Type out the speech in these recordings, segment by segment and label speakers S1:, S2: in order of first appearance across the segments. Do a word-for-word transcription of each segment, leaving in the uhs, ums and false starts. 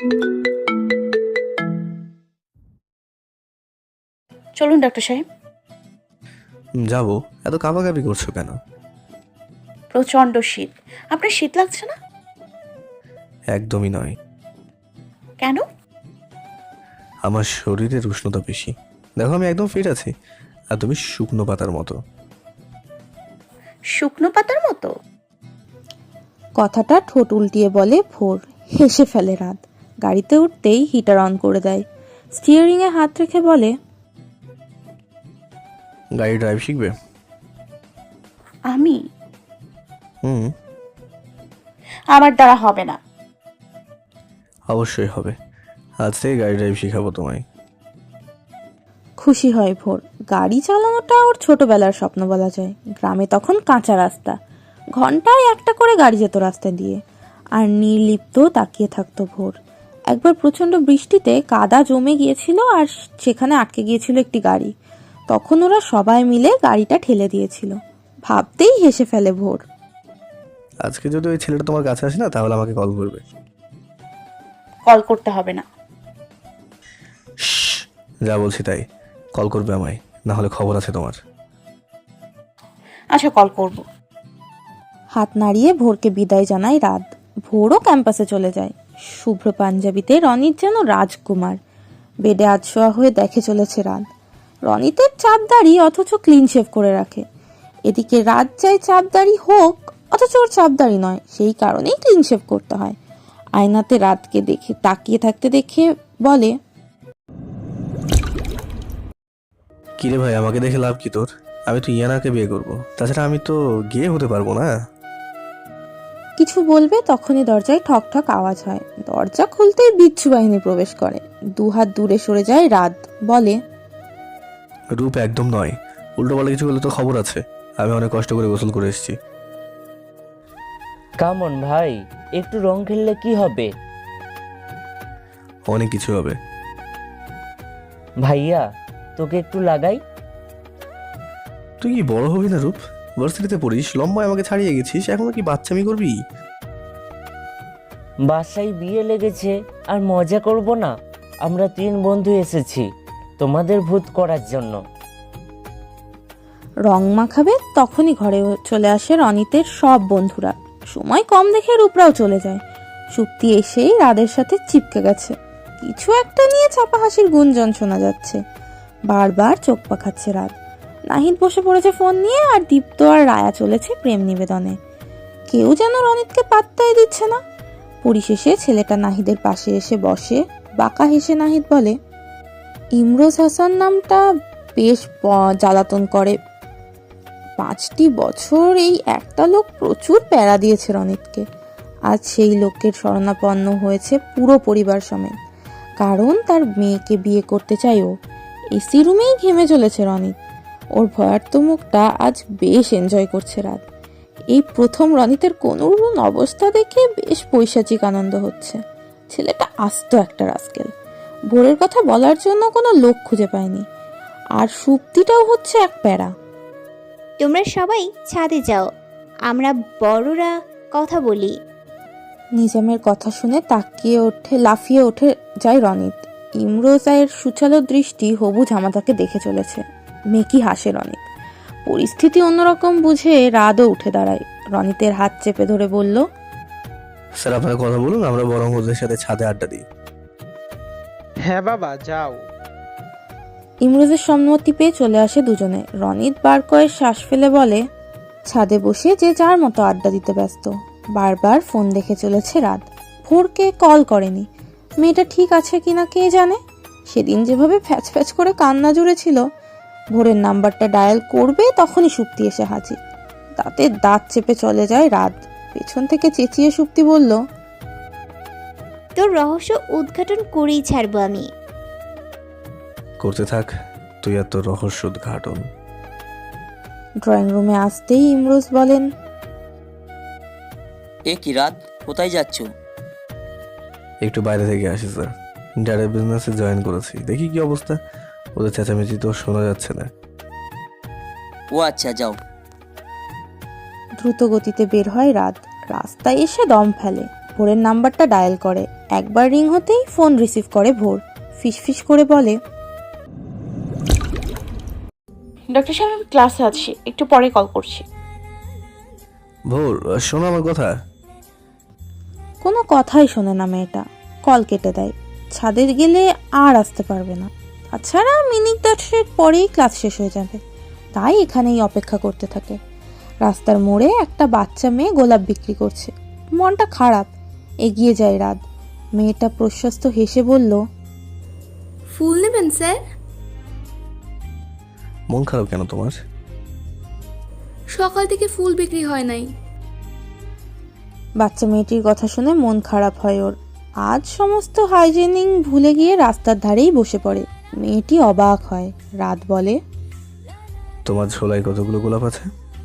S1: চলুন ডাক্তার সাহেব।
S2: যাবো, এত কাঁপাকাঁপি করছো কেন?
S1: প্রচন্ড শীত। আপনার শীত লাগছে না?
S2: একদমই নয়।
S1: কেন?
S2: আমার শরীরের উষ্ণতা বেশি। দেখো, আমি একদম ফিট আছি, আর তুমি শুকনো পাতার মতো।
S1: শুকনো পাতার মতো?
S3: কথাটা ঠোঁট উল্টিয়ে বলে ভোর। হেসে ফেলে রাত। গাড়িতে উঠতেই হিটার অন করে দেয়। স্টিয়ারিংয়ে হাত রেখে বলে,
S2: গাড়ি ড্রাইভ শিখবে?
S1: আমি?
S2: হুম,
S1: আমার দ্বারা হবে না।
S2: অবশ্যই হবে। আজ থেকে গাড়ি ড্রাইভ শিখাবো তোমায়।
S3: খুশি হয় ভোর। গাড়ি চালানোটা ওর ছোটবেলার স্বপ্ন বলা যায়। গ্রামে তখন কাঁচা রাস্তা, ঘন্টায় একটা করে গাড়ি যেত রাস্তা দিয়ে, আর নির্লিপ্ত তাকিয়ে থাকতো ভোর। একবার প্রচন্ড বৃষ্টিতে কাদা জমে গিয়েছিল, আর সেখানে আটকে গিয়েছিল একটি গাড়ি। তখন ওরা সবাই মিলে গাড়িটা ঠেলে দিয়েছিল। ভাবতেই হেসে ফেলে ভোর।
S2: আজকে যদি ওই ছেলেটা তোমার কাছে আসে না, তাহলে আমাকে কল করবে।
S1: কল করতে হবে না।
S2: শ্শ্, যা বলছি তাই। কল করবে আমায়, না হলে খবর আছে তোমার।
S1: আচ্ছা, কল করব।
S3: হাত নাড়িয়ে ভোরকে বিদায় জানায় রাত। ভোরও ক্যাম্পাসে চলে যায়। শুভ্র পাঞ্জাবিতে রনিত যেন রাজকুমার। বেডে আধশোয়া হয়ে দেখে চলেছে রাত। রনিতের চাপদাড়ি, অথচ ক্লিন শেভ করে রাখে। এদিকে রাত চাই চাপদাড়ি হোক, অথচ ওর চাপদাড়ি নয়, সেই কারণেই ক্লিন শেভ করতে হয়। আয়নাতে রাতকে দেখে তাকিয়ে থাকতে দেখে বলে,
S2: কিরে ভাই, আমাকে দেখে লাভ কি তোর? আমি তো ইয়ানাকে বিয়ে করবো। তাছাড়া আমি তো গিয়ে হতে পারবো না।
S3: কিছু বলবে তখনই দরজায় ঠক ঠক আওয়াজ হয়। দরজা খুলতেই বিচ্ছু বাহিনী প্রবেশ করে। দুহাত দূরে সরে যায় রাত, বলে,
S2: রূপ একদম নয়। উল্টো পাল্টা কিছু করলে তো খবর আছে। আমি অনেক কষ্ট করে গোসল করে এসেছি।
S4: কামন ভাই, একটু রং খেললে কি হবে?
S2: অনেক কিছু হবে।
S4: ভাইয়া, তোকে একটু লাগাই।
S2: তুই কি বড় হবি না রূপ? ভার্সিটিতে পড়িস, লম্বায় আমাকে ছাড়িয়ে গেছিস, এখনো কি বাচ্চামি করবি?
S4: বাসায় বিয়ে লেগেছে আর মজা করব না? আমরা তিন বন্ধু এসেছি তোমাদের ভূত করার জন্য।
S3: রং মাখাবে তখনই ঘরে চলে আসে রনিতের সব বন্ধুরা। সময় কম দেখে রূপরাও চলে যায়। সুপ্তি এসেই রাদের সাথে চিপকে গেছে। কিছু একটা নিয়ে চাপা হাসির গুঞ্জন শোনা যাচ্ছে। বারবার চোখ পাকাচ্ছে রাত। নাহিদ বসে পড়েছে ফোন নিয়ে, আর দীপ্ত আর রায়া চলেছে প্রেম নিবেদনে। কেউ যেন রনিতকে পাত্তাই দিচ্ছে না। পরিশেষে ছেলেটা নাহিদের পাশে এসে বসে। বাঁকা হেসে নাহিদ বলে, ইমরোজ হাসান নামটা বেশ জ্বালাতন করে। পাঁচটি বছর এই একটা লোক প্রচুর প্যারা দিয়েছে রনিতকে। আজ সেই লোকের শরণাপন্ন হয়েছে পুরো পরিবার সমেত। কারণ তার মেয়েকে বিয়ে করতে চাই ও। এসি রুমেই ঘেমে চলেছে রনিত। ওর ভয়ার্ত মুখটা আজ বেশ এনজয় করছে রাত। এই প্রথম রনিতের কোনরূপ অবস্থা দেখে বেশ পৈশাচিক আনন্দ হচ্ছে। ছেলেটা আস্ত একটা রাস্কেল। ভোরের কথা বলার জন্য কোনো লোক খুঁজে পায়নি। আর সুপ্তিটাও হচ্ছে এক প্যারা।
S5: তোমরা সবাই ছাদে যাও, আমরা বড়রা কথা বলি।
S3: নিজামের কথা শুনে তাকিয়ে ওঠে, লাফিয়ে ওঠে যায় রনিত। ইমরোজায়ের সুচালো দৃষ্টি হবু জামাতাকে দেখে চলেছে। মেকি হাসে রনিত। পরিস্থিতি অন্যরকম বুঝে রাতও উঠে দাঁড়ায়। রনিতের হাত চেপে ধরে বলল,
S2: স্যার, আপনারা কথা বলুন, আমরা বরং ওদের সাথে ছাদে আড্ডা দিই।
S6: হ্যাঁ বাবা, যাও।
S3: ইমরোজের সম্মতি পেয়ে চলে আসে দুজনে। রনিত বার কয়েক শ্বাস ফেলে বলে, ছাদে বসে যে যার মতো আড্ডা দিতে ব্যস্ত। বারবার ফোন দেখে চলেছে রাত। ভোরকে কল করেনি। মেয়েটা ঠিক আছে কিনা কে জানে। সেদিন যেভাবে ফ্যাচ ফ্যাচ করে কান্না জুড়েছিল। ভোরের নাম্বারটা ডায়াল করবে তখনই সুপ্তি এসে হাজির। দাঁতে দাঁত চেপে চলে যায় রাত। পেছন থেকে চেঁচিয়ে সুপ্তি বলল,
S5: তোর রহস্য উদ্ঘাটন করেই ছাড়বো আমি।
S2: করতে থাক, তুই এত রহস্য উদ্ঘাটন।
S3: ড্রয়িং রুমে আসতেই ইমরোজ বলেন,
S7: এ কি রাত, কোথায় যাচ্ছ?
S2: একটু বাইরে থেকে আসি স্যার। ড্যাডের বিজনেসে জয়েন করেছি, দেখি কি অবস্থা। ওদের চেঁচামেচি তো শোনা যাচ্ছে না।
S7: ও আচ্ছা, যাও।
S3: দ্রুত গতিতে বের হয় রাত। রাস্তায় এসে দম ফেলে। ভোরের নাম্বারটা ডায়াল করে। একবার রিং হতেই ফোন রিসিভ করে ভোর। ফিসফিস করে বলে,
S1: ডক্টর সাহেব আমি ক্লাসে আছি, একটু পরে কল করছি।
S2: ভোর, শোনো আমার কথা।
S3: কোনো কথাই শোনে না মেয়েটা, কল কেটে দেয়। ছাদে গেলে আর আসতে পারবে না, তাছাড়া মিনিট দশেক পরেই ক্লাস শেষ হয়ে যাবে। তাই এখানেই অপেক্ষা করতে থাকে। রাস্তার মোড়ে একটা বাচ্চা মেয়ে গোলাপ বিক্রি করছে। মনটা খারাপ, এগিয়ে যায় রাত। মেয়েটা প্রশস্ত হেসে বলল,
S8: ফুল নেবেন স্যার?
S2: মন খারাপ কেন তোমার?
S8: সকাল থেকে ফুল বিক্রি হয় নাই।
S3: বাচ্চা মেয়েটির কথা শুনে মন খারাপ হয় ওর। আজ সমস্ত হাইজেনিং ভুলে গিয়ে রাস্তার ধারেই বসে পড়ে। মেয়েটি অবাক হয়। রাত বলে,
S2: তোমার ঝোলায় কতগুলো গোলাপ আছে?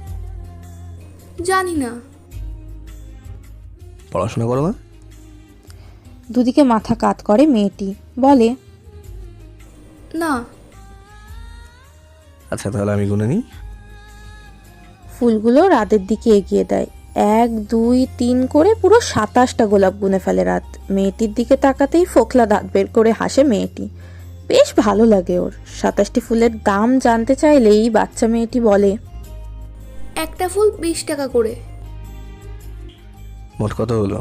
S8: জানি না।
S2: পড়াশোনা করো না?
S3: দুদিকে মাথা কাত করে মেয়েটি, বলে,
S8: না।
S2: আচ্ছা তাহলে আমি গুনে নিই।
S3: ফুলগুলো রাতের দিকে এগিয়ে দেয়। এক দুই তিন করে পুরো সাতাশটা গোলাপ গুনে ফেলে রাত। মেয়েটির দিকে তাকাতেই ফোকলা দাঁত বের করে হাসে মেয়েটি। বেশ ভালো লাগে ওর। সাতাশটি ফুলের দাম জানতে চাইলেই বাচ্চা মেয়েটি বলে,
S8: একটা ফুল বিশ টাকা করে।
S2: মোট কত হলো?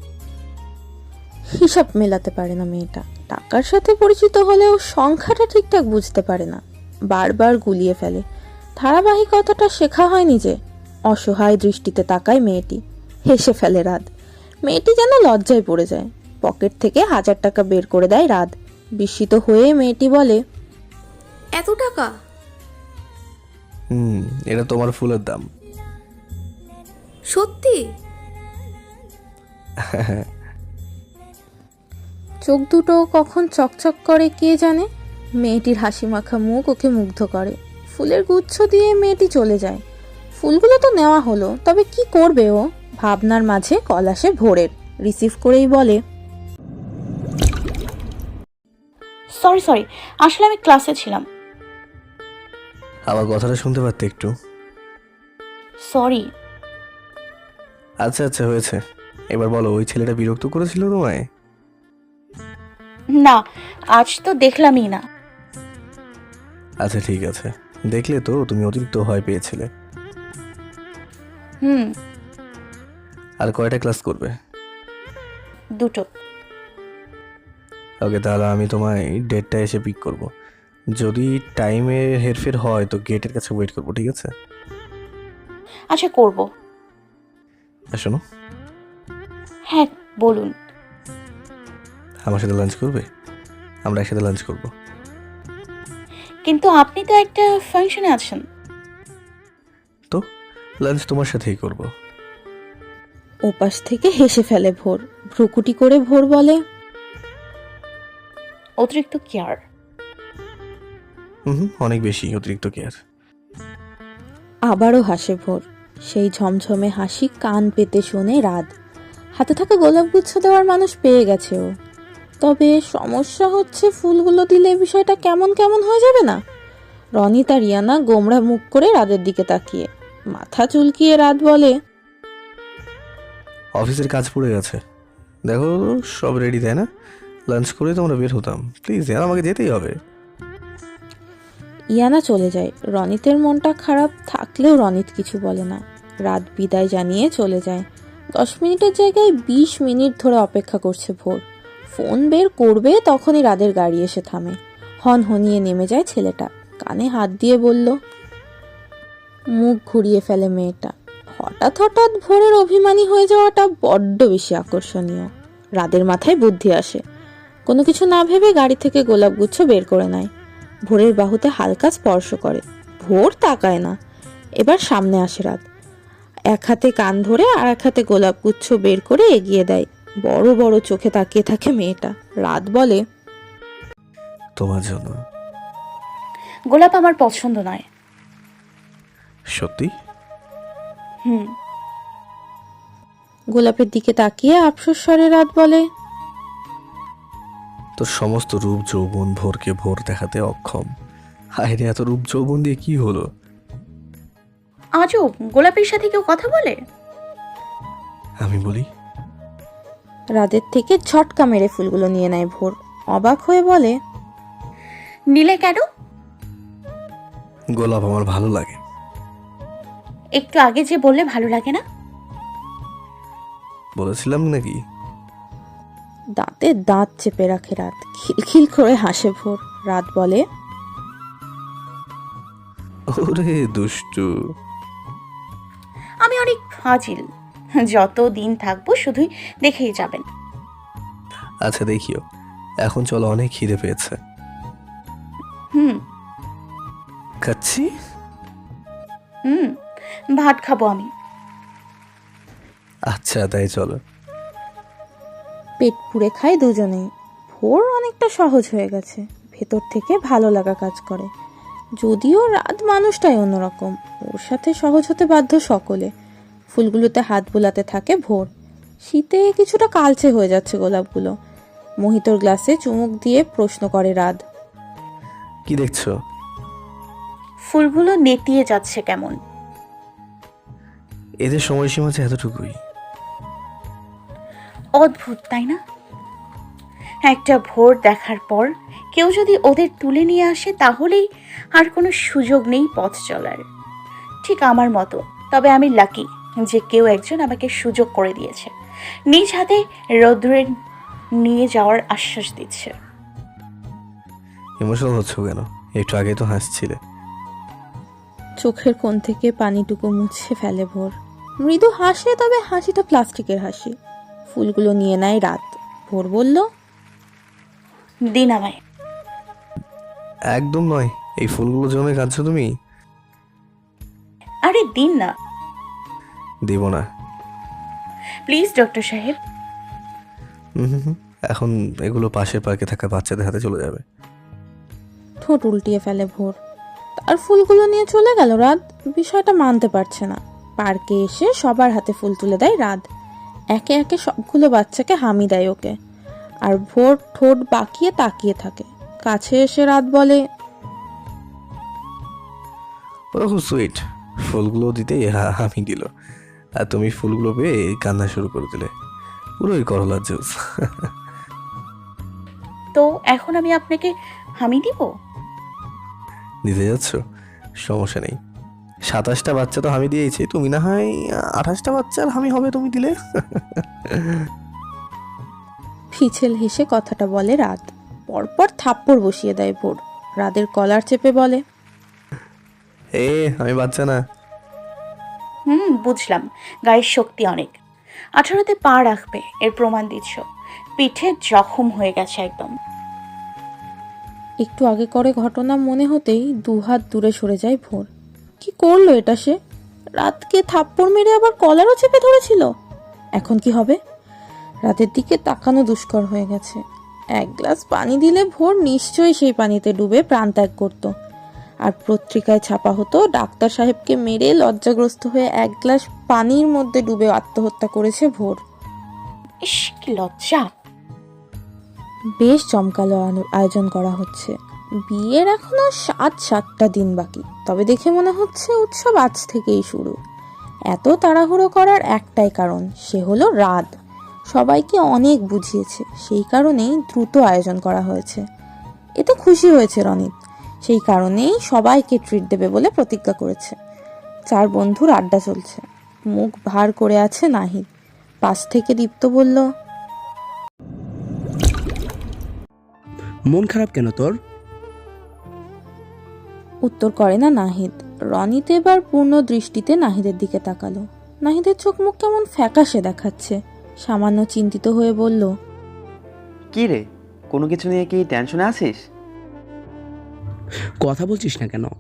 S3: হিসাব মেলাতে পারে না মেয়েটা। টাকার সাথে পরিচিত হলেও সংখ্যাটা ঠিকঠাক বুঝতে পারে না, বারবার গুলিয়ে ফেলে। ধারাবাহিকতাটা শেখা হয়নি যে। অসহায় দৃষ্টিতে তাকায় মেয়েটি। হেসে ফেলে রাত। মেয়েটি যেন লজ্জায় পড়ে যায়। পকেট থেকে হাজার টাকা বের করে দেয় রাত। বিস্মিত হয়ে মেয়েটি বলে,
S8: এত টাকা?
S2: হুম, এটা তোমার ফুলের দাম।
S8: সত্যি?
S3: চোখ দুটো কখন চকচক করে কে জানে। মেয়েটির হাসি মাখা মুখ ওকে মুগ্ধ করে। ফুলের গুচ্ছ দিয়ে মেয়েটি চলে যায়। ফুলগুলো তো নেওয়া হলো, তবে কি করবে ও? ভাবনার মাঝে কল আসে ভোরের। রিসিভ করেই বলে,
S1: সরি সরি আসলে আমি ক্লাসে ছিলাম।
S2: আমার কথাটা শুনতে পারতে একটু?
S1: সরি।
S2: আচ্ছা আচ্ছা হয়েছে, এবার বলো, ওই ছেলেটা বিরক্ত করেছিল তোমায়?
S1: না, আজ তো দেখলামই না।
S2: আচ্ছা ঠিক আছে, দেখলে তো তুমি অতিরিক্ত ভয় পেয়েছিলে।
S1: হুম।
S2: আর কয়টা ক্লাস করবে?
S1: দুটো।
S2: ওকে, তাহলে আমি তোমায় ডেটটা এসে পিক করব। যদি টাইমের হেরফের হয় তো গেটের কাছে ওয়েট করবো, ঠিক আছে?
S1: আচ্ছা করব।
S2: আর শোনো,
S1: হ্যাঁ বলুন।
S2: আমার সাথে লাঞ্চ করবে? আমরা একসাথে লাঞ্চ করব।
S1: কিন্তু আপনি তো একটা ফাংশনে আছেন।
S2: তো লাঞ্চ তোমার সাথেই করব।
S3: ওপাশ থেকে হেসে ফেলে ভোর। ভ্রুকুটি করে ভোর বলে,
S1: অতিরিক্ত কেয়ার।
S2: হুম হুম, অনেক বেশি অতিরিক্ত কেয়ার।
S3: আবারও হাসে ভোর। সেই ঝমঝমে হাসি কান পেতে শোনে রাত। হাতে থাকা গোলাপগুচ্ছ দেওয়ার মানুষ পেয়ে গেছে ও। তবে সমস্যা হচ্ছে, ফুলগুলো দিলে বিষয়টা কেমন কেমন হয়ে যাবে না? রনি তার রিয়ানা গোমড়া মুখ করে রাতের দিকে তাকিয়ে মাথা চুলকিয়ে রাত বলে,
S2: অফিসের কাজ পড়ে গেছে, দেখো সব রেডি, তাই না? লাঞ্চ করে তোমরা বের হতাম, প্লিজ यार, আমাকে যেতেই হবে।
S3: ইয়ানা চলে যায়। রনিতের মনটা খারাপ থাকলেও রনিত কিছু বলে না। রাত বিদায় জানিয়ে চলে যায়। দশ মিনিটের জায়গায় বিশ মিনিট ধরে অপেক্ষা করছে ভোর। ফোন বের করবে তখনই রাতের গাড়ি এসে থামে। হন হনিয়ে নেমে যায় ছেলেটা। কানে হাত দিয়ে বলল, মুখ ঘুরিয়ে ফেলে মেয়েটা। হঠাৎ হঠাৎ ভোরের অভিমানী হয়ে যাওয়াটা বড্ড বেশি আকর্ষণীয়। রাতের মাথায় বুদ্ধি আসে। কোনো কিছু না ভেবে গাড়ি থেকে গোলাপগুচ্ছ বের করে নেয়। ভোরের বাহুতে হালকা স্পর্শ করে। ভোর তাকায় না। এবার সামনে আসে রাত। এক হাতে কান ধরে আর এক হাতে গোলাপগুচ্ছ বের করে এগিয়ে দেয়। বড় বড় চোখে তাকিয়ে থাকে মেয়েটা। রাত বলে,
S2: তোমার জন্য।
S1: গোলাপ আমার পছন্দ নয়।
S2: সত্যি?
S1: হুম।
S3: গোলাপের দিকে তাকিয়ে আফসোস স্বরে রাত বলে,
S2: তোর সমস্ত রূপ যৌবন ভোরকে ভোর দেখাতে অক্ষম। হায় রে, এত রূপ যৌবন দিয়ে কি হলো?
S1: আজও গোলাপের সাথে কেউ কথা বলে?
S2: আমি বলি,
S3: রাদের থেকে ঝটকা মেরে ফুলগুলো নিয়ে নেয় ভোর। অবাক হয়ে বলে,
S1: নিলে কেন?
S2: গোলাপ আমার ভালো লাগে।
S1: একটু আগে যে বললে ভালো লাগে না।
S2: বলেছিলাম নাকি?
S3: দাঁতে দাঁত চেপে রাখে রাত। খিলখিল করে হাসে ভোর। রাত বলে,
S2: ওরে দুষ্টু।
S1: আমি অনেক ফাজিল, যত দিন থাকবো শুধুই দেখেই যাবেন।
S2: আচ্ছা দেখিও, এখন চলো, অনেক খিদে পেয়েছে।
S1: হুম
S2: খাচ্ছি।
S1: হুম ভাত খাবো আমি।
S2: আচ্ছা তাই চলো।
S3: পেট পুড়ে খায় দুজনেই। ভোর অনেকটা সহজ হয়ে গেছে, ভেতর থেকে ভালো লাগা কাজ করে। যদিও রাত মানুষটাই অন্যরকম, ওর সাথে সহজ হতে বাধ্য সকলে। ফুলগুলোতে হাত বুলাতে থাকে ভোর। শীতে কিছুটা কালচে হয়ে যাচ্ছে গোলাপগুলো। মোহিতর গ্লাসে চুমুক দিয়ে প্রশ্ন করে রাত,
S2: কি দেখছো?
S1: ফুলগুলো নেতিয়ে যাচ্ছে কেমন।
S2: এদের সময়সীমা আছে এতটুকুই।
S1: অদ্ভুত তাই না? একটা ভোর দেখার পর কেউ যদি ওদের তুলে নিয়ে আসে তাহলেই আর কোনো সুযোগ নেই পথ চলার। ঠিক আমার মতো। তবে আমি লাকি যে কেউ একজন আমাকে সুযোগ করে দিয়েছে, নিজ হাতে রৌদ্রে নিয়ে যাওয়ার আশ্বাস দিচ্ছে।
S2: ইমোশনাল হচ্ছ কেন? একটু আগে তো হাসছিলে।
S3: চোখের কোণ থেকে পানিটুকু মুছে ফেলে ভোর। মৃদু হাসে, তবে হাসিটা প্লাস্টিকের হাসি। ফুলগুলো নিয়ে নেয় রাত। ভোর বলল,
S1: দিন আমায়।
S2: একদম নয়, এই ফুলগুলো জন্য কাঁদছো তুমি?
S1: আরে দিন না
S2: দিব না।
S1: প্লিজ ডক্টর সাহেব।
S2: হুম হুম হুম। এখন এগুলো পাশের পার্কে থাকা বাচ্চাদের হাতে চলে যাবে।
S3: ঠোঁট উল্টিয়ে ফেলে ভোর। তার ফুলগুলো নিয়ে চলে গেল রাত। বিষয়টা মানতে পারছে না। পার্কে এসে সবার হাতে ফুল তুলে দেয় রাত। একে একে সবগুলো বাচ্চাকে হামি দেয় ওকে। আর ভোর ঠোঁট বাঁকিয়ে তাকিয়ে থাকে। কাছে এসে রাত বলে,
S2: ওরা খুব সুইট। ফুলগুলো দিতেই হা- হামি দিল, আর তুমি ফুলগুলো পেয়ে কান্না শুরু করে দিলে। পুরোই করলার জুস।
S1: তো এখন আমি আপনাকে হামি দিব?
S2: দিতে যাচ্ছ? সমস্যা নেই, সাতাশটা বাচ্চা তো হামি দিয়েছি, তুমি না হয় আঠাশটা বাচ্চার হামি হবে তুমি দিলে।
S3: ফিছেল হেসে কথাটা বলে রাত। পরপর থাপ্পড় বসিয়ে দেয় ভোর। রাতের কলার চেপে বলে,
S2: এ আমি বাচ্চা না।
S1: হুম বুঝলাম, গায়ের শক্তি অনেক। আঠারোতে পা রাখবে এর প্রমাণ দিচ্ছ। পিঠে জখম হয়ে গেছে একদম।
S3: একটু আগে করে ঘটনা মনে হতেই দুহাত দূরে সরে যায় ভোর। কি করলো এটা সে? রাতকে থাপ্পড় মেরে আবার কলারও চেপে ধরেছিল। এখন কি হবে? রাতের দিকে তাকানো দুষ্কর হয়ে গেছে। এক গ্লাস পানি দিলে ভোর নিশ্চয়ই সেই পানিতে ডুবে প্রাণত্যাগ করত। আর পত্রিকায় ছাপা হতো ডাক্তার সাহেবকে মেরে লজ্জাগ্রস্ত হয়ে এক গ্লাস পানির মধ্যে ডুবে আত্মহত্যা করেছে ভোর।
S1: ইস কি লজ্জা।
S3: বেশ জমকালো আনো- আয়োজন করা হচ্ছে। বিয়ের এখনো সাত সাতটা দিন বাকি, তবে দেখে মনে হচ্ছে উৎসব আজ থেকেই শুরু। এত তাড়াহুড়ো করার একটাই কারণ, সে হলো রাত। সবাইকে অনেক বুঝিয়েছে, সেই কারণেই দ্রুত আয়োজন করা হয়েছে। এতে খুশি হয়েছে রনিত, সেই কারণেই সবাইকে ট্রিট দেবে বলে প্রতিজ্ঞা করেছে। চার বন্ধুর আড্ডা চলছে। মুখ ভার করে আছে নাহিদ। পাশ থেকে দীপ্ত বলল,
S9: মন খারাপ কেন তোর?
S3: উত্তর করে না নাহিদ। রনিত এবার পূর্ণ দৃষ্টিতে নাহিদের দিকে তাকালো। নাহিদের চোখ মুখ কেমন ফ্যাকাশে দেখাচ্ছে। সামান্য চিন্তিত হয়ে বলল,
S10: কি রে, কোনো কিছু নিয়ে কি টেনশনে আছিস?
S9: কথা বলছিস না কেন?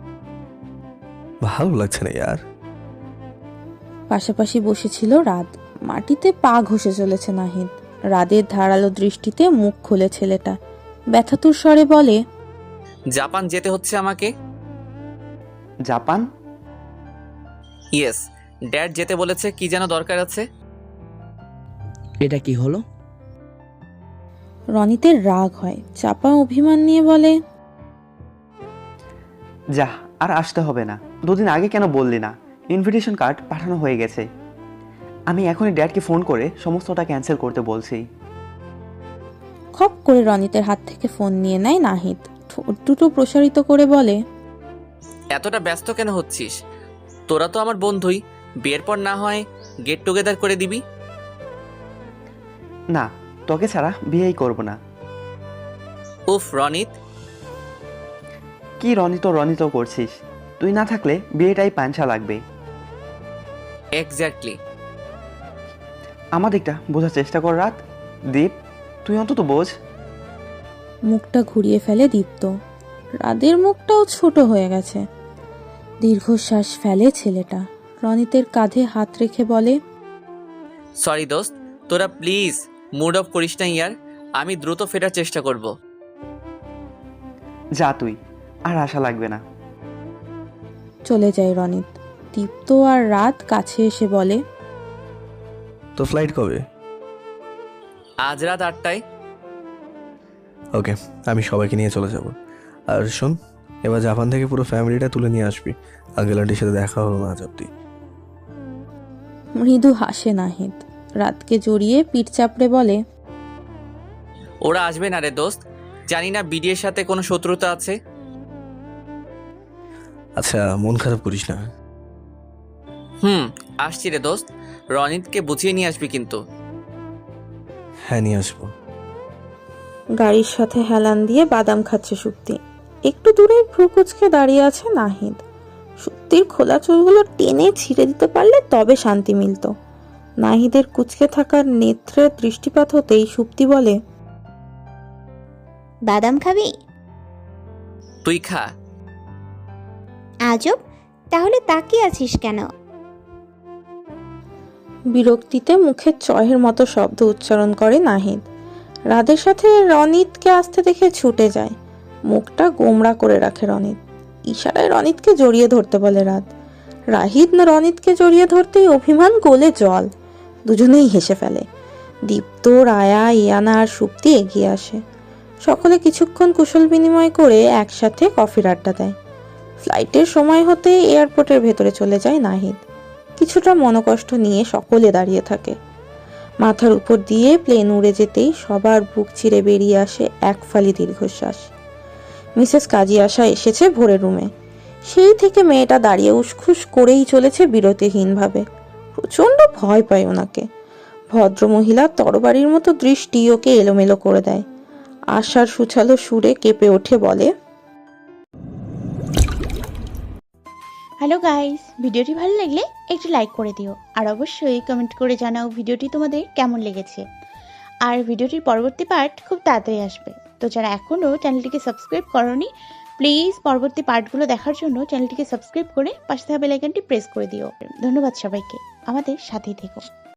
S2: ভালো লাগছে না ইয়ার।
S3: পাশাপাশি বসেছিল রাত। মাটিতে পা ঘষে চলেছে নাহিদ। রাদের ধারালো দৃষ্টিতে মুখ খুলে ছেলেটা ব্যথাতুর স্বরে বলে,
S11: জাপান যেতে হচ্ছে আমাকে।
S10: জাপান?
S11: ইয়েস, ড্যাড যেতে বলেছে, কি যেন দরকার আছে।
S9: এটা কি হলো?
S3: রনিতের রাগ হয়, চাপা অভিমান নিয়ে বলে,
S10: যা, আর আসতে হবে না। দুদিন আগে কেন বললি না? ইনভিটেশন কার্ড পাঠানো হয়ে গেছে। আমি এখনই ড্যাডকে ফোন করে সমস্তটা ক্যান্সেল করতে বলছি।
S3: খপ করে রনিতের হাত থেকে ফোন নিয়ে নেয় নাহিদ, ঠোঁট দুটো প্রসারিত করে বলে,
S11: এতটা ব্যস্ত কেন হচ্ছিস? তোরা তো আমার বন্ধুই, বিয়ের পর না হয় গেট টুগেদার করে দিবি।
S10: না, তোকে ছাড়া বিয়েই করব না।
S11: উফ রনিত,
S10: কি রনিত রনিত করছিস? তুই না থাকলে বিয়েটাই পাঞ্চা লাগবে।
S11: এক্স্যাক্টলি।
S10: আমার দিকটা বোঝার চেষ্টা কর রাত। দীপ, তুই অন্তত বোঝ।
S3: মুখটা ঘুরিয়ে ফেলে দীপ্ত। রাদের মুখটাও ছোট হয়ে গেছে। দীর্ঘশ্বাস ফেলে ছেলেটা। রনিতের কাঁধে হাত রেখে বলে,
S11: সরি দোস্ত, তোরা প্লিজ মুড অফ করিস না ইয়ার, আমি দ্রুত ফেরার চেষ্টা করব।
S10: যা তুই, আর আশা লাগবে না।
S3: চলে যায় রনিত। দীপ্ত আর রাত কাছে এসে বলে,
S2: তো ফ্লাইট কবে?
S11: আজ রাত আটটায়।
S2: ওকে, আমি সবাইকে নিয়ে চলে যাব। আর শোন, এবার জাপান থেকে পুরো ফ্যামিলিটা তুলে নিয়ে আসবি। আঙ্কেল আন্টির সাথে দেখা হলো না আজ অব্দি।
S3: মৃদু হাসে নাহিদ। রাতকে জড়িয়ে পিঠ চাপড়ে বলে,
S11: ওরা আসবে না রে দোস্ত, জানি না বিডিএর সাথে কোনো শত্রুতা আছে।
S2: আচ্ছা, মন খারাপ করিস না।
S11: হুম, আসছি রে দোস্ত, রনিতকে বুঝিয়ে নিয়ে আসবি কিন্তু।
S2: হ্যাঁ, নিয়ে আসবো।
S3: গাড়ির সাথে হেলান দিয়ে বাদাম খাচ্ছে সুপ্তি। একটু দূরে ভ্রু কুচকে দাঁড়িয়ে আছে নাহিদ। সুপ্তির খোলা চুলগুলো টেনে ছিঁড়ে দিতে পারলে তবে শান্তি মিলত। নাহিদের কুচকে থাকার নেত্রের দৃষ্টিপাত হতেই সুপ্তি বলে,
S5: বাদাম খাবি?
S11: তুই খা।
S5: আজব, তাহলে তাকিয়ে আছিস কেন?
S3: বিরক্তিতে মুখে চয়ের মতো শব্দ উচ্চারণ করে নাহিদ। রাদের সাথে রনিতকে আসতে দেখে ছুটে যায়। মুখটা গোমড়া করে রাখে রনিত। ইশারায় রনিতকে জড়িয়ে ধরতে বলে রাত। রাহিদ না রনিতকে জড়িয়ে ধরতেই অভিমান গোলে জল। দুজনেই হেসে ফেলে। দীপ্ত, রায়া, ইয়ানা আর সুপ্তি এগিয়ে আসে। সকলে কিছুক্ষণ কুশল বিনিময় করে একসাথে কফির আড্ডা দেয়। ফ্লাইটের সময় হতে এয়ারপোর্টের ভেতরে চলে যায় নাহিদ। কিছুটা মনোকষ্ট নিয়ে সকলে দাঁড়িয়ে থাকে। মাথার উপর দিয়ে প্লেন উড়ে যেতেই সবার বুক চিরে বেরিয়ে আসে এক ফালি দীর্ঘশ্বাস। মিসেস কাজী আশা এসেছে ভোরের রুমে। সেই থেকে মেয়েটা দাঁড়িয়ে উসখুস করেই চলেছে বিরতিহীনভাবে। প্রচণ্ড ভয় পায় ওনাকে। ভদ্রমহিলার তরবারির মতো দৃষ্টি ওকে এলোমেলো করে দেয়। আশার সুছালো সুরে কেঁপে ওঠে বলে,
S1: হ্যালো গাইস, ভিডিওটি ভালো লাগলে একটু লাইক করে দিও আর অবশ্যই কমেন্ট করে জানাও ভিডিওটি তোমাদের কেমন লেগেছে। আর ভিডিওটির পরবর্তী পার্ট খুব তাড়াতাড়ি আসবে, তো যারা এখনও চ্যানেলটিকে সাবস্ক্রাইব করোনি প্লিজ পরবর্তী পার্টগুলো দেখার জন্য চ্যানেলটিকে সাবস্ক্রাইব করে পাশে থাকা বেল আইকনটি প্রেস করে দিও। ধন্যবাদ সবাইকে, আমাদের সাথেই থেকো।